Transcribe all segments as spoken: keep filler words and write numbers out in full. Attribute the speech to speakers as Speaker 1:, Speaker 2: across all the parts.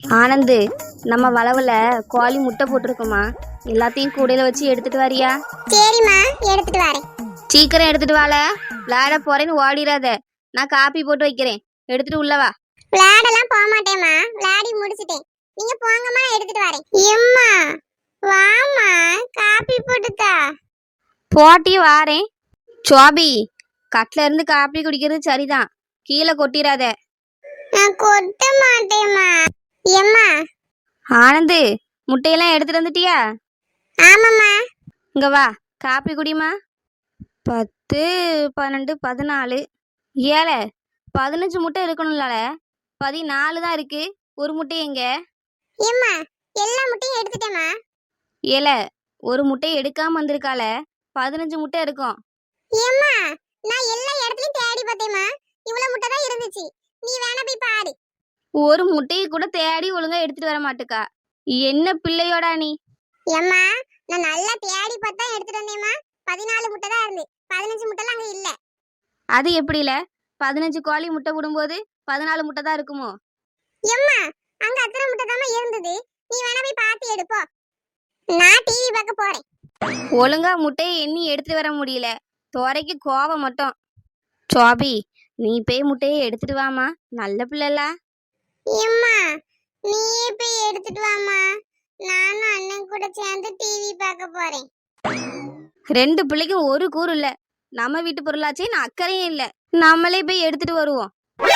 Speaker 1: ஆனந்து, நம்ம வளவுல கோழி முட்டை போட்டிருக்குமா, எல்லாத்தையும் கூடையில வச்சு எடுத்துட்டு வாரியா?
Speaker 2: சரிம்மா, எடுத்துட்டு வரேன்.
Speaker 1: சீக்கிரம் எடுத்துட்டு வாழ, விளையாட போறேன்னு ஓடிடாத. நான் காப்பி போட்டு வைக்கிறேன், எடுத்துட்டு உள்ளவா.
Speaker 2: விளையாடலாம் போக மாட்டேம்மா, விளையாடி முடிச்சிட்டேன். நீங்க போங்கம்மா, எடுத்துட்டு வரேன். எம்மா வாமா, காப்பி போட்டுதா.
Speaker 1: போட்டி வாரேன். சோபி, கட்டில இருந்து காப்பி குடிக்கிறது சரிதான், கீழே கொட்டிடாத.
Speaker 2: நான் கொட்ட மாட்டேம்மா. எம்மா.
Speaker 1: ஆனந்து, முட்டையெல்லாம் எடுத்துட்டு வந்துட்டியா?
Speaker 2: ஆமாம்மா.
Speaker 1: இங்க வா, காப்பி குடிமா. பத்து பன்னெண்டு பதினாலு ஏழை பதினஞ்சு முட்டை இருக்கணும்ல, பதினாலு தான் இருக்கு. ஒரு முட்டை எங்க?
Speaker 2: எம்மா, எல்லா முட்டையும் எடுத்துட்டேம்மா.
Speaker 1: ஏழை ஒரு முட்டை எடுக்காம வந்திருக்கால, பதினஞ்சு முட்டை இருக்கும்.
Speaker 2: எம்மா, நான் எல்லா இடத்துலயும் தேடி பார்த்தேம்மா, இவ்வளவு முட்டை தான் இருந்துச்சு. நீ வேணா போய் பாரு.
Speaker 1: ஒரு முட்டையை கூட தேடி ஒழுங்கா எடுத்துட்டு வர மாட்டுக்கா. என்ன பிள்ளையோடா நீ?
Speaker 2: எம்மா, நான் நல்லா தேடி பார்த்தா எடுத்துட்டு வந்தேம்மா. பதினாலு முட்டை தான் இருந்து, பதினஞ்சு முட்டைலாம் அங்க இல்ல.
Speaker 1: அது எப்படில? பதினஞ்சு கோழி முட்டை விடும்போது பதினாலு முட்டை தான் இருக்குமோ?
Speaker 2: எம்மா, அங்க அத்தனை முட்டை தான் இருந்தது. நீ வேணா போய் பார்த்து எடுப்போ. நான் டிவி பார்க்க போறேன்.
Speaker 1: ஒழுங்கா முட்டையை எண்ணி எடுத்துட்டு வர முடியல, துறைக்கு கோவம் மட்டும். சோபி, நீ போய் முட்டையை எடுத்துட்டு வாமா, நல்ல பிள்ளைல.
Speaker 2: எம்மா, நீயே போய் எடுத்துட்டு வாமா. நானும் அண்ணன் கூட சேர்ந்து டிவி பார்க்க போறேன்.
Speaker 1: ரெண்டு பிள்ளைக்கும் ஒரு கூறு இல்ல. நம்ம வீட்டு பொருளாச்சே, நான் அக்கறையும் இல்ல. நம்மளே போய் எடுத்துட்டு வருவோம்.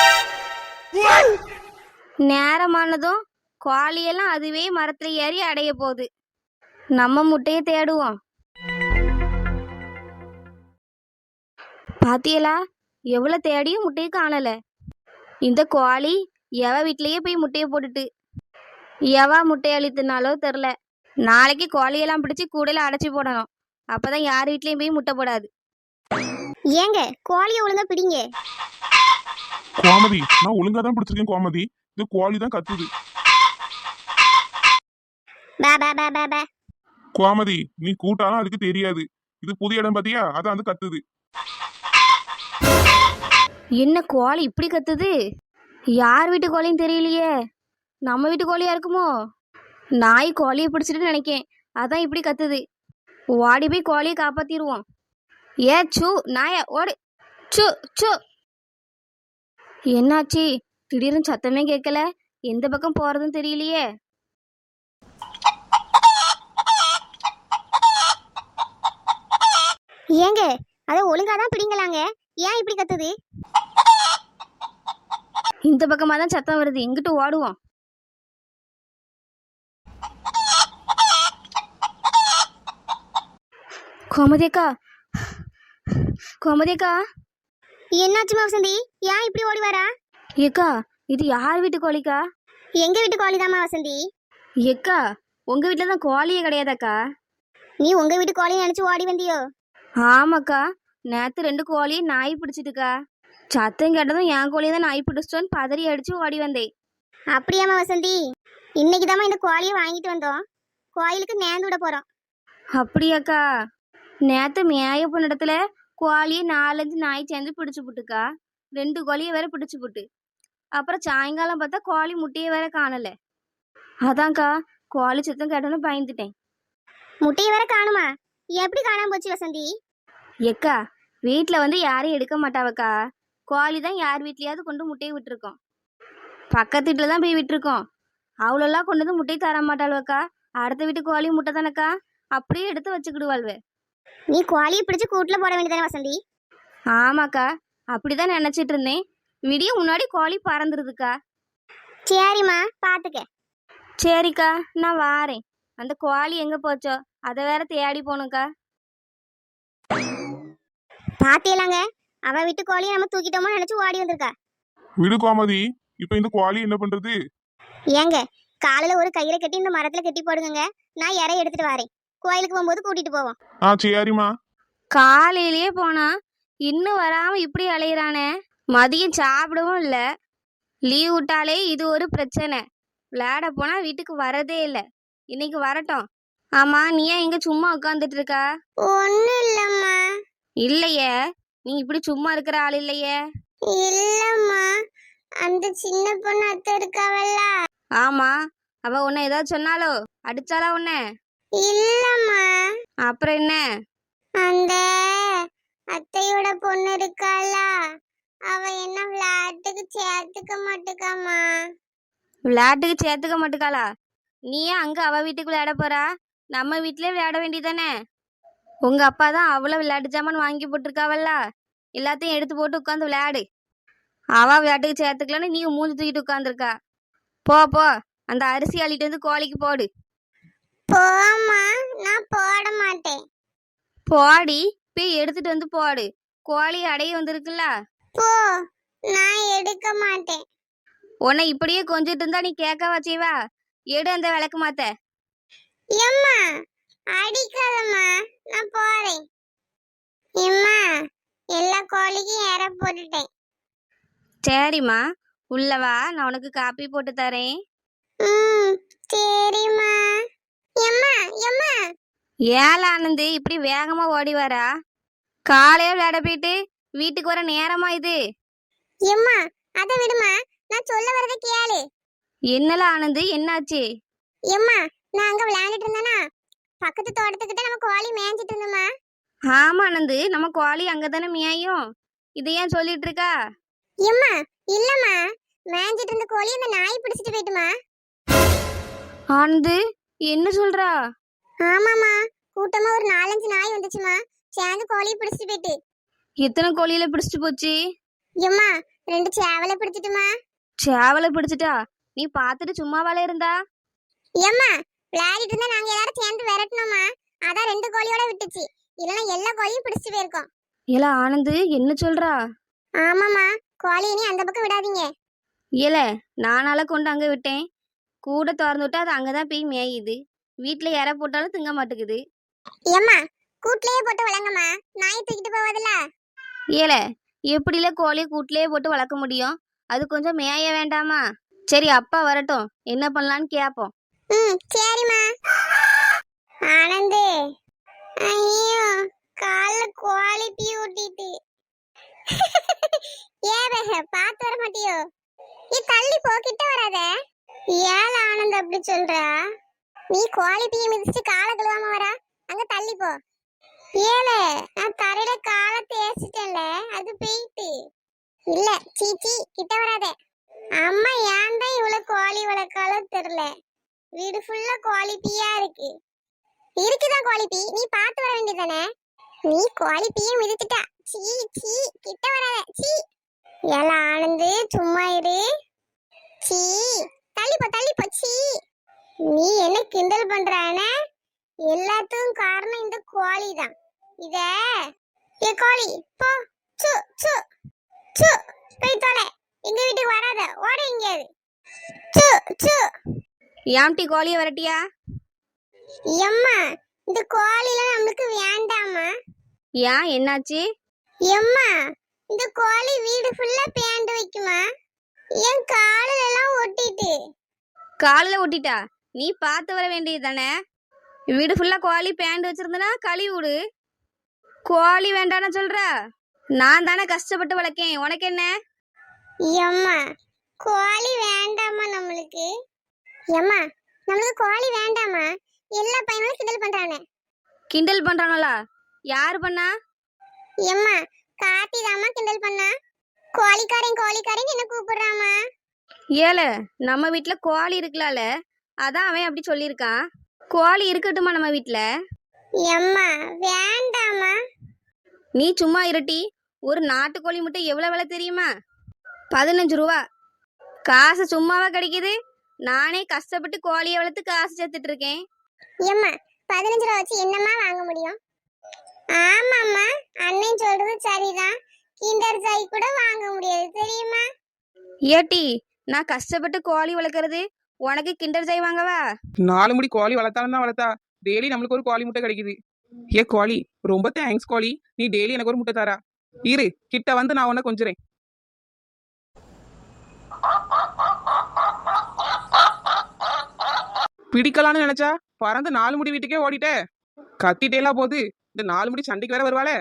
Speaker 1: நேரமானதும் கோழியெல்லாம் அதுவே மரத்துல ஏறி அடைய போகுது. நம்ம முட்டையை தேடுவோம். பாத்தியலா, எவ்வளவு தேடியும் முட்டையை காணல. இந்த கோழி எவ வீட்லயே போய் முட்டையை போட்டுட்டு எவா முட்டையை அழித்துனாலோ தெரில. நாளைக்கு கோழியெல்லாம் பிடிச்சி கூடையில அடைச்சி போடணும், அப்பதான் யார் வீட்லயும் போய் முட்டை போடாது.
Speaker 2: ஏங்க, கோழியை ஒழுங்கா பிடிங்க.
Speaker 3: கோமதி, நான் ஒழுங்கா தான் பிடிச்சிருக்கேன் கோமதி. இந்த கோழி தான் கத்துது.
Speaker 2: பா பா பா பா பா.
Speaker 3: கோமதி, நீ கூட்டாலும் அதுக்கு தெரியாது. இது புது இடம் பாத்தியா, அதான் வந்து கத்துது.
Speaker 1: என்ன கோழி இப்படி கத்துது? யார் வீட்டு கோழின்னு தெரியலையே. நம்ம வீட்டு கோழியா இருக்குமோ? நாய் கோழியை பிடிச்சிட்டு நினைக்கேன், அதான் இப்படி கத்துது. ஓடி போய் கோழியை காப்பாத்திடுவோம். ஏ சு, நாய ஓடு. சு சு. என்னாச்சு? திடீர்னு சத்தமே கேட்கல, எந்த பக்கம் போறதுன்னு தெரியலையே.
Speaker 2: ஏங்க, அதை ஒழுங்கா தான் பிடிங்களாங்க, ஏன் இப்படி கத்துது?
Speaker 1: இந்த பக்கமா தான் சத்தம் வருது, எங்கிட்டு ஓடுவோம். கோமதியக்கா, கோமதியக்கா.
Speaker 2: என்னாச்சுமா வசந்தி, ஏன் இப்படி ஓடி வரா?
Speaker 1: ஏக்கா, இது யார் வீட்டு கோழிக்கா?
Speaker 2: எங்க வீட்டு கோழிதாம்மா வசந்தி.
Speaker 1: ஏக்கா, உங்க வீட்டுல தான் கோழியே கிடையாதாக்கா?
Speaker 2: நீ உங்க வீட்டு கோழியை நினைச்சு ஓடி வந்தியோ?
Speaker 1: ஆமாக்கா, நேத்து ரெண்டு கோழியை நாய் பிடிச்சிட்டுக்கா. சத்தம் கேட்டதும் என் கோழியை தான் நாய் பிடிச்சிட்டோன்னு பதறி அடிச்சு ஓடி வந்தேன்.
Speaker 2: அப்படியாம்மா வசந்தி, இன்னைக்கு தாம்மா இந்த கோழியை வாங்கிட்டு வந்தோம். கோயிலுக்கு நேர்ந்து விட போறோம்.
Speaker 1: அப்படியாக்கா? நேத்து மேய போன இடத்துல கோழியை நாலஞ்சு நாய் சேர்ந்து பிடிச்சு புட்டுக்கா. ரெண்டு கோழியை வேற பிடிச்சு புட்டு. அப்புறம் சாயங்காலம் பார்த்தா கோழி முட்டையை வேற காணல. அதான்க்கா, கோழி சத்தம் கேட்டோன்னு பயந்துட்டேன்.
Speaker 2: முட்டையை வேற காணுமா? எப்படி காணாம போச்சு வசந்தி?
Speaker 1: எக்கா, வீட்டில் வந்து யாரையும் எடுக்க மாட்டாவக்கா. கோழி தான் யார் வீட்லயாவது கொண்டு முட்டையை விட்டுருக்கோம். பக்கத்து வீட்டில் தான் போய் விட்டுருக்கோம். அவ்வளோலாம் கொண்டு வந்து முட்டையை தர மாட்டாளுவக்கா. அடுத்த வீட்டு கோழி முட்டை தானக்கா, அப்படியே எடுத்து வச்சுக்கிடுவாள்வே.
Speaker 2: நீ கோழியை பிடிச்சு கூட்டுல போட வேண்டியதானே வசந்தி?
Speaker 1: ஆமாக்கா, அப்படிதான் நினைச்சிட்டு இருந்தேன். விடிய முன்னாடி கோழி பறந்துருதுக்கா.
Speaker 2: சரிம்மா, பாத்துக்க.
Speaker 1: சரிக்கா, நான் வாரேன். அந்த கோழி எங்க போச்சோ, அதை வேற தேடி போகணுக்கா.
Speaker 2: பாத்தியலாங்க, அவ வீட்டு கோழியை நம்ம தூக்கிட்டோமோ நினைச்சு ஓடி வந்திருக்கா.
Speaker 3: விடு கோமதி, இப்ப இந்த கோழி என்ன பண்றது?
Speaker 2: ஏங்க, காலையில ஒரு கயிறை கட்டி இந்த மரத்துல கட்டி போடுங்க, நான் இறை எடுத்துட்டு வரேன். கோயிலுக்கு போகும்போது கூட்டிட்டு போவோம்.
Speaker 3: ஆ சரிம்மா.
Speaker 1: காலையிலேயே போனா இன்னும் வராம இப்படி அலையிறானே. மதியம் சாப்பிடவும் இல்லை. லீவ் விட்டாலே இது ஒரு பிரச்சனை. விளையாட போனா வீட்டுக்கு வரதே இல்லை. இன்னைக்கு வரட்டும். ஆமா, நீ ஏன் இங்க சும்மா உட்காந்துட்டு இருக்கா?
Speaker 2: ஒன்னும் இல்லம்மா.
Speaker 1: இல்லையே, நீ இப்படி சும்மா இருக்கிற ஆள் இல்லையே.
Speaker 2: இல்லம்மா, அந்த சின்ன பொண்ணு அத்தை இருக்காவல்ல,
Speaker 1: ஆமா, அவ உன்னை ஏதாவது சொன்னாலோ? அடிச்சாளா உன்னை?
Speaker 2: இல்லம்மா,
Speaker 1: அப்புறம் என்ன?
Speaker 2: அந்த அத்தையோட பொண்ணு இருக்காளா, அவ என்ன விளையாட்டுக்கு சேர்த்துக்க மாட்டுக்காமா.
Speaker 1: விளையாட்டுக்கு சேர்த்துக்க மாட்டுக்காளா? நீ ஏன் அங்க அவ வீட்டுக்கு விளையாட போறா? நம்ம வீட்லயே விளையாட வேண்டியதானே? உங்க அப்பா தான் அவ்வளோ விளையாட்டு ஜாமான் வாங்கி போட்டிருக்காவல்ல, எல்லாத்தையும் எடுத்து போட்டு உட்காந்து விளையாடு. அவ விளையாட்டுக்கு சேர்த்துக்கலன்னு நீ மூஞ்சி தூக்கிட்டு உட்காந்துருக்கா. போ போ, அந்த அரிசி அள்ளிட்டு வந்து கோழிக்கு போடு.
Speaker 2: போம்மா, நான் போட மாட்டேன்.
Speaker 1: போடி, போய் எடுத்துட்டு வந்து போடு. கோழி அடைய வந்திருக்குல்ல.
Speaker 2: போ, நான் எடுக்க மாட்டேன்.
Speaker 1: உன்னை இப்படியே கொஞ்சிட்டு இருந்தா நீ கேட்கவா செய்வா? எடு அந்த விளக்கு மாத்த.
Speaker 2: எம்மா, அடிக்காதம்மா, நான் போறேன். எம்மா, எல்லா கோழிக்கும் இற போட்டுட்டேன்.
Speaker 1: சரிம்மா, உள்ளவா, நான் உனக்கு காப்பி போட்டு தரேன்.
Speaker 2: ம், சரிம்மா. எம்மா, எம்மா,
Speaker 1: ஏல ஆனந்து இப்படி வேகமா ஓடி வரா? காலையே விளையாட போயிட்டு வீட்டுக்கு வர நேரமா இது?
Speaker 2: எம்மா, அத விடுமா, நான் சொல்ல வரத கேளு.
Speaker 1: என்னல ஆனந்து, என்னாச்சு?
Speaker 2: எம்மா, நான் அங்க விளையாண்டுட்டு இருந்தேனா, பக்கத்து தோட்டத்துக்கிட்ட நம்ம கோழி மேய்ஞ்சிட்டு இருந்தோமா.
Speaker 1: ஆமா ஆனந்து, நம்ம கோழி அங்கதானே மேயும். இதை ஏன் சொல்லிட்டு இருக்கா?
Speaker 2: எம்மா, இல்லம்மா, மேய்ஞ்சிட்டு இருந்த கோழி அந்த நாய் பிடிச்சிட்டு போயிட்டுமா.
Speaker 1: ஆனந்து, என்ன சொல்றா?
Speaker 2: ஆமாமா, கூட்டமா ஒரு நாலஞ்சு நாய் வந்துச்சுமா, சேர்ந்து கோழியை பிடிச்சிட்டு போயிட்டு.
Speaker 1: எத்தனை கோழியில பிடிச்சிட்டு போச்சு?
Speaker 2: எம்மா, ரெண்டு சேவலை பிடிச்சிட்டுமா.
Speaker 1: சேவலை பிடிச்சிட்டா? நீ பார்த்துட்டு சும்மாவாலே இருந்தா?
Speaker 2: எம்மா, விளையாடிட்டு இருந்தா நாங்க எல்லாரும் சேர்ந்து விரட்டணுமா, அதான் ரெண்டு கோழியோட விட்டுச்சு, இல்லைன்னா எல்லா கோழியும் பிடிச்சிட்டு போயிருக்கோம்.
Speaker 1: ஏல ஆனந்து, என்ன சொல்றா?
Speaker 2: ஆமாமா, கோழி இனி அந்த பக்கம் விடாதீங்க.
Speaker 1: ஏல, நானால கொண்டு அங்க விட்டேன். கூட திறந்து விட்டா அது அங்கதான் போய் மேயுது. வீட்டுல இற போட்டாலும் திங்க மாட்டேங்குது.
Speaker 2: எம்மா, கூட்லயே போட்டு வளங்கம்மா, நாய் தூக்கிட்டு போவதில்ல.
Speaker 1: ஏல, எப்படில கோழியை கூட்டிலேயே போட்டு வளர்க்க முடியும்? அது கொஞ்சம் மேய வேண்டாமா? சரி, அப்பா வரட்டும், என்ன பண்ணலான்னு கேப்போம்.
Speaker 2: ம், சரிம்மா. ஆனந்து, ஐயோ, கால்ல கோழி பீ ஊட்டிட்டு. ஏவே, பாத்து வர மாட்டியோ? நீ தள்ளி போ, கிட்ட வராத. ஏல ஆனந்த் அப்படி சொல்றா? நீ கோழி பீ மிதிச்சு காலை கழுவாம வரா, அங்க தள்ளி போ. ஏல, நான் தரையில காலை தேய்ச்சிட்டேன்ல, அது போயிட்டு. இல்ல, சீச்சி, கிட்ட வராத. அம்மா ஏன் தான் இவ்வளவு கோழி வளர்க்காலும் தெரியல, வீடு ஃபுல்லா கோழி பீயா இருக்கு. இருக்குதான் கோழி பீ, நீ பாத்து வர வேண்டியதானே? நீ கோழி பீய மிதிச்சிட்டா. சீ சீ, கிட்ட வராத. சீ. ஏல ஆனந்து, சும்மா இரு. சீ, தள்ளி போ, தள்ளி போ. சீ, நீ என்ன கிண்டல் பண்றானே? எல்லாத்துக்கும் காரணம் இந்த கோழி தான். இத ஏ கோழி, போ. சு சு சு, போய் தொலை. எங்க வீட்டுக்கு வராத, ஓட எங்கேயாவது. சு சு.
Speaker 1: ஏம்டி கோழியை வரட்டியா?
Speaker 2: எம்மா, இந்த கோழிலாம் நம்மளுக்கு வேண்டாமா.
Speaker 1: ஏன், என்னாச்சு?
Speaker 2: எம்மா, இந்த கோழி வீடு ஃபுல்லா பேண்ட் வைக்குமா, என் காலில எல்லாம் ஒட்டிட்டு.
Speaker 1: காலில் ஒட்டிட்டா? நீ பார்த்து வர வேண்டியது தானே? வீடு ஃபுல்லா கோழி பேண்ட் வச்சிருந்தனா கழுவி விடு. கோழி வேண்டான்னு சொல்ற? நான் தானே கஷ்டப்பட்டு வளர்க்கேன், உனக்கு என்ன?
Speaker 2: எம்மா, கோழி வேண்டாமா நம்மளுக்கு. எம்மா, நம்மளுக்கு கோழி வேண்டாமா, எல்லா பையனும் கிண்டல் பண்றானே.
Speaker 1: கிண்டல் பண்றானோலா? யாரு பண்ணா?
Speaker 2: எம்மா, காத்தி தாமா கிண்டல் பண்ணா. கோழிக்காரன் கோழிக்காரன் என்ன கூப்பிடுறாமா.
Speaker 1: ஏல, நம்ம வீட்ல கோழி இருக்கலால, அதான் அவன் அப்படி சொல்லியிருக்கான். கோழி இருக்கட்டுமா நம்ம வீட்ல?
Speaker 2: எம்மா, வேண்டாமா.
Speaker 1: நீ சும்மா இருட்டி. ஒரு நாட்டுக்கோழி முட்டை எவ்வளவு விலை தெரியுமா? பதினஞ்சு ரூபா. காசு சும்மாவா கிடைக்குது? நானே கஷ்டப்பட்டு கோழியை வளர்த்து காசு சேர்த்துட்டு இருக்கேன்.
Speaker 2: எம்மா, பதினஞ்சு ரூபா வச்சு என்னம்மா வாங்க முடியும்? ஆமாம்மா, அண்ணன் சொல்றது சரிதான், கிண்டர் ஜாய் கூட வாங்க முடியாது தெரியுமா.
Speaker 1: ஏட்டி, நான் கஷ்டப்பட்டு கோழி வளர்க்கறது உனக்கு கிண்டர் ஜாய் வாங்கவா?
Speaker 4: நாலு முடி கோழி வளர்த்தாலும் தான் வளர்த்தா டெய்லி நம்மளுக்கு ஒரு கோழி முட்டை கிடைக்குது. ஏ கோழி, ரொம்ப தேங்க்ஸ் கோழி, நீ டெய்லி எனக்கு ஒரு முட்டை தரா. இரு, கிட்ட வந்து நான் உன்னை கொஞ்சுறேன். பிடிக்கலான்னு நினைச்சா பறந்து நாலு முடி வீட்டுக்கே ஓடிட்டே. கத்திட்டேலாம் போது இந்த நாலு முடி சண்டைக்கு வேற வருவாளே.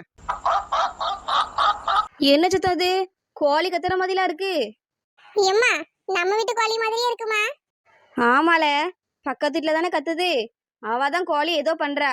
Speaker 1: என்ன சத்தம் அது? கோழி கத்துற மாதிரிலாம் இருக்கு.
Speaker 2: எம்மா, நம்ம வீட்டு கோழி மாதிரியே இருக்குமா.
Speaker 1: ஆமால, பக்கத்து வீட்டில் தானே கத்துது. அவ தான் கோழி ஏதோ பண்றா.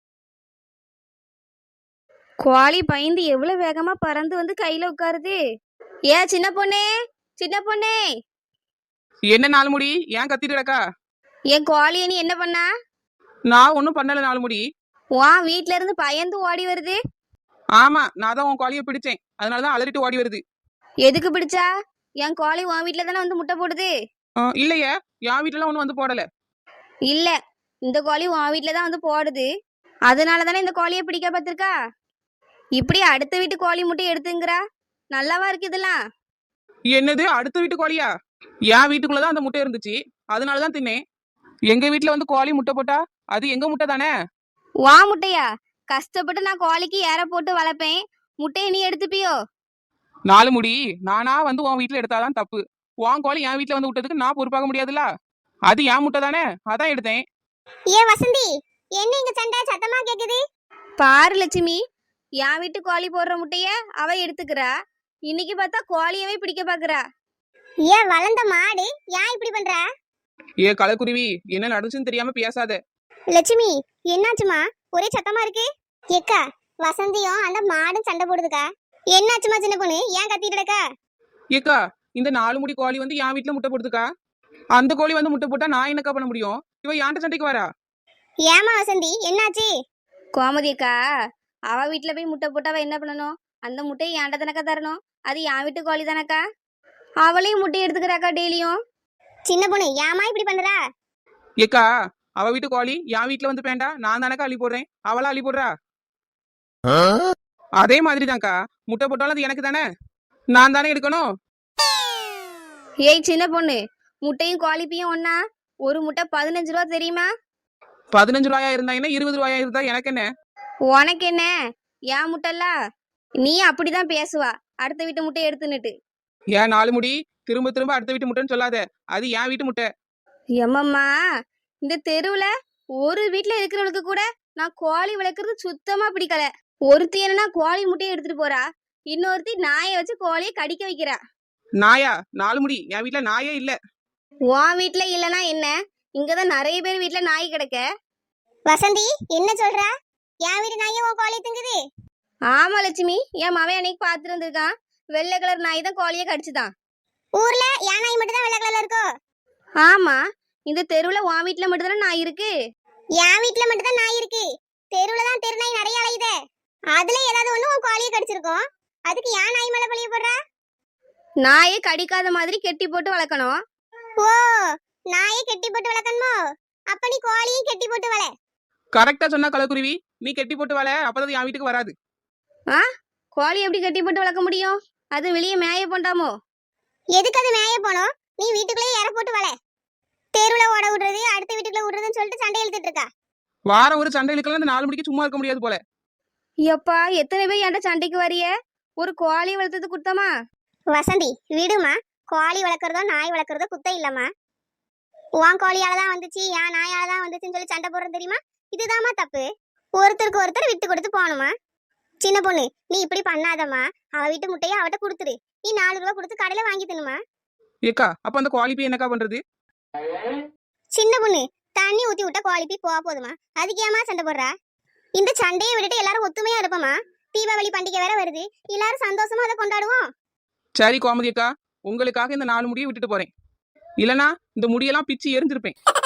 Speaker 1: கோழி பயந்து எவ்வளவு வேகமா பறந்து வந்து கையில உட்காருது. ஏ சின்ன பொண்ணே, சின்ன பொண்ணே,
Speaker 4: என்ன நாலு முடி ஏன் கத்திட்டு கிடக்கா?
Speaker 1: என் கோழியை நீ என்ன பண்ணா?
Speaker 4: நான் ஒன்றும் பண்ணல நாலு முடி.
Speaker 1: வா, வீட்ல இருந்து பயந்து ஓடி வருது.
Speaker 4: ஆமா, நான் தான் உன் கோழியை பிடிச்சேன், அதனாலதான் அலறிட்டு ஓடி வருது.
Speaker 1: எதுக்கு பிடிச்சா? என் கோழி உன் வீட்டில் தானே வந்து முட்டை போடுது.
Speaker 4: ஆ, இல்லையே, என் வீட்டுல ஒன்றும் வந்து போடல.
Speaker 1: இல்ல, இந்த கோழி உன் வீட்டில் தான் வந்து போடுது. அதனால தானே இந்த கோழியை பிடிக்க பார்த்திருக்கா. இப்படி அடுத்த வீட்டு கோழி முட்டை எடுத்துங்கிறா. நல்லாவா இருக்கு இதெல்லாம்?
Speaker 4: என்னது அடுத்த வீட்டு கோழியா? என் வீட்டுக்குள்ளதான் அந்த முட்டை இருந்துச்சு, அதனாலதான் தின்னேன். எங்க வீட்டுல வந்து கோழி முட்டை போட்டா அது எங்க முட்டை தானே.
Speaker 1: வா முட்டையா? கஷ்டப்பட்டு நான் கோழிக்கு ஏற போட்டு வளர்ப்பேன். முட்டையை நீ எடுத்துப்பியோ?
Speaker 4: நாலு முடி, நானா வந்து உன் வீட்டுல எடுத்தாதான் தப்பு. உன் கோழி என் வீட்டுல வந்து விட்டதுக்கு நான் பொறுப்பாக முடியாதுல்ல. அது என் முட்டை தானே, அதான் எடுத்தேன்.
Speaker 2: ஏ வசந்தி, என்ன இங்க சண்டை சத்தமா கேக்குது?
Speaker 1: பாரு லட்சுமி, என் வீட்டு கோழி போடுற முட்டைய அவ எடுத்துக்கிறா. இன்னைக்கு பார்த்தா கோழியவே பிடிக்க பாக்குறா.
Speaker 2: ஏ வளர்ந்த மாடு, ஏன் இப்படி பண்ற?
Speaker 4: ஏ கலக்குருவி, என்ன நடந்துச்சுன்னு தெரியாம பேசாத.
Speaker 2: லட்சுமி, என்னாச்சுமா? ஒரே சத்தமா இருக்கு. ஏக்கா, வசந்தியும் அந்த மாடும் சண்டை போடுதுக்கா. என்னாச்சுமா சின்ன பொண்ணு, ஏன் கத்திட்டு இருக்கா?
Speaker 4: ஏக்கா, இந்த நாலு முடி கோழி வந்து என் வீட்டுல முட்டை போடுதுக்கா. அந்த கோழி வந்து முட்டை போட்டா நான் என்னக்கா பண்ண முடியும்? இவ ஏன்ட்ட சண்டைக்கு வரா.
Speaker 2: ஏமா வசந்தி, என்னாச்சு?
Speaker 1: கோமதி அக்கா, அவ வீட்டுல போய் முட்டை போட்டு அவ என்ன பண்ணணும்? அந்த முட்டையை ஏன்ட தானக்கா தரணும். அது என் வீட்டு கோழி தானக்கா. அவளையும் முட்டை எடுத்துக்கிறாக்கா டெய்லியும்.
Speaker 2: சின்ன பொண்ணு, ஏமா இப்படி பண்றா?
Speaker 4: ஏக்கா, அவ வீட்டு கோழி என் வீட்டுல வந்து பேண்டா, நான் தானக்கா அள்ளி போடுறேன், அவளா அள்ளி போடுறா. அதே மாதிரிதான்க்கா, முட்டை போட்டாலும் அது எனக்கு தானே, நான் தானே எடுக்கணும்.
Speaker 1: ஏய் சின்ன பொண்ணு, முட்டையும் கோழிப்பையும் ஒண்ணா? ஒரு முட்டை பதினஞ்சு ரூபா தெரியுமா?
Speaker 4: பதினஞ்சு ரூபாயா இருந்தா என்ன, இருபது ரூபாயா இருந்தா எனக்கு என்ன?
Speaker 1: உனக்கு என்ன? ஏன் முட்டைல்ல? நீ அப்படிதான் பேசுவா, அடுத்த வீட்டு முட்டையை எடுத்துன்னுட்டு.
Speaker 4: ஏன் நாலு முடி, திரும்ப திரும்ப அடுத்த வீட்டு முட்டைன்னு சொல்லாத, அது என் வீட்டு முட்டை.
Speaker 1: எம்மம்மா, இந்த தெருவுல ஒரு வீட்டுல இருக்கிறவளுக்கு கூட நான் கோழி வளர்க்கறது சுத்தமா பிடிக்கல. ஒருத்தி என்னன்னா கோழி முட்டையை எடுத்துட்டு போறா, இன்னொருத்தி நாயை வச்சு கோழியை கடிக்க வைக்கிறா.
Speaker 4: நாயா? நாலு முடி, என் வீட்டுல நாயே இல்ல.
Speaker 1: உன் வீட்டுல இல்லனா என்ன? இங்கதான் நிறைய பேர் வீட்டுல நாய் கிடக்க.
Speaker 2: வசந்தி, என்ன சொல்றா? என் வீட்டு நாயே உன் கோழி திங்குது?
Speaker 1: ஆமா லட்சுமி, என் மவன் அன்னைக்கு பாத்துட்டு வந்திருக்கான். வெள்ளை கலர் நாய் தான் கோழியை கடிச்சுதான்.
Speaker 2: ஊர்ல என் நாய் மட்டும் தான் வெள்ளை கலர்ல இருக்கோ?
Speaker 1: ஆமா, இந்த தெருவுல உன் வீட்டுல மட்டும் தானே நாய் இருக்கு.
Speaker 2: என் வீட்டுல மட்டும் தான் நாய் இருக்கு. தெருவுல தான் தெரு நாய் நிறைய அலையுதே. அதுல ஏதாவது ஒண்ணு உன் கோழியை கடிச்சிருக்கோம். அதுக்கு ஏன் நாய் மேல பழிய போடுறா?
Speaker 1: நாயை கடிக்காத மாதிரி கெட்டி போட்டு வளர்க்கணும்.
Speaker 2: ஓ, நாயை கெட்டி போட்டு வளர்க்கணுமோ? அப்ப நீ கோழியும் கெட்டி போட்டு வள.
Speaker 4: கரெக்டா சொன்னா கலக்குருவி, நீ கெட்டி போட்டு வாழ, அப்பதான் என் வீட்டுக்கு வராது.
Speaker 1: ஆ, கோழி எப்படி கட்டி போட்டு வளர்க்க முடியும்? அது வெளியே மேய போண்டாமோ?
Speaker 2: எதுக்கு அது மேய போனோம்? நீ வீட்டுக்குள்ளே ஏற போட்டு வள. தெருவுல ஓட விடுறது, அடுத்த வீட்டுக்குள்ள விடுறதுன்னு சொல்லிட்டு சண்டை இழுத்துட்டு இருக்கா.
Speaker 4: வாரம் ஒரு சண்டை இழுக்கலாம், இந்த நாலு மணிக்கு சும்மா இருக்க முடியாது போல.
Speaker 1: எப்பா, எத்தனை பேர் என்கிட்ட சண்டைக்கு வரிய? ஒரு கோழி வளர்த்தது குத்தமா?
Speaker 2: வசந்தி, விடுமா. கோழி வளர்க்குறதோ நாய் வளர்க்குறதோ குத்தம் இல்லம்மா. உன் கோழியால தான் வந்துச்சு, என் நாயால தான் வந்துச்சுன்னு சொல்லி சண்டை போடுறது தெரியுமா? இதுதாம்மா தப்பு. ஒருத்தருக்கு ஒருத்தர் விட்டு கொடுத்து போகணுமா? சின்ன பொண்ணு, நீ இப்படி பண்ணாதம்மா. அவ வீட்டு முட்டையை அவட்ட கொடுத்துரு. நீ நாலு ரூபா கொடுத்து கடையில வாங்கி தின்னுமா.
Speaker 4: ஏக்கா, அப்ப அந்த கோழி போய் என்னக்கா பண்றது?
Speaker 2: சின்ன பொண்ணு, தண்ணி ஊத்தி விட்டா கோழி போய் போக போதுமா? அதுக்கு ஏமா சண்டை போடுறா? இந்த சண்டையை விட்டுட்டு எல்லாரும் ஒத்துமையா இருப்போமா? தீபாவளி பண்டிகை வேற வருது, எல்லாரும் சந்தோஷமா அதை கொண்டாடுவோம்.
Speaker 4: சரி கோமதி அக்கா, உங்களுக்காக இந்த நாலு முடியை விட்டுட்டு போறேன். இல்லனா இந்த முடியெல்லாம் பிச்சு எரிஞ்சிருப்பேன்.